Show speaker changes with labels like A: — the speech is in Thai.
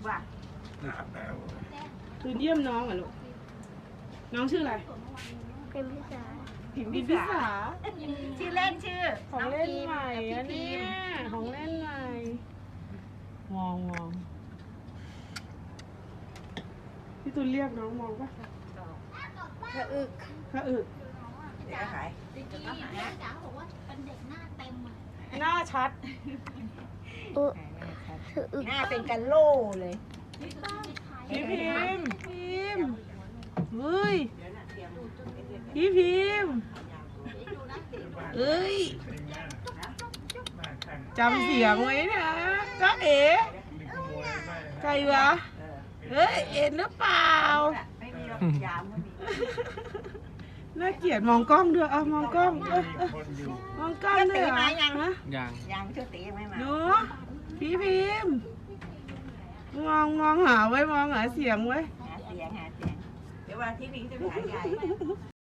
A: ป่ะ
B: คืนเยี่ยมน้องเหรอลูกน้องชื่ออะไร
C: เป็นพิษา
B: พิมพิสา
A: ชื่อเล่นชื่อ
B: ของเล่นใหม่อันนี้ของเล่นใหม่มองพี่ตุลเรียกน้องมองป่ะ
C: กระอึก
B: พระอึก
A: เดี๋ยวขาย
D: จ๋าบอกว่าเป็นเด็กหน้าเต็มอ่ะ
B: หน้าชัด
C: อึกระอึก
A: หน้าเป็นกันโล่เลย
B: พี่พิมเฮ้ยพี่พิมเอ้ยจำเสียงไว้นะจ๊ะเอ๋ใครวะเฮ้ยเอ็นหรือเปล่า
A: ไม่มีหรอกยามก็มี
B: น่าเกลียดมองกล้องด้วยเอามองกล้องมองกล้องด้วยเหรอฮะ
A: ยังชื่อตียังไม่มา
B: หนูพี่พิมมองหาไว้มองหาเสียงไว้
A: หาเสียงเดี๋ยววันที่นี้จะไปหาใหญ่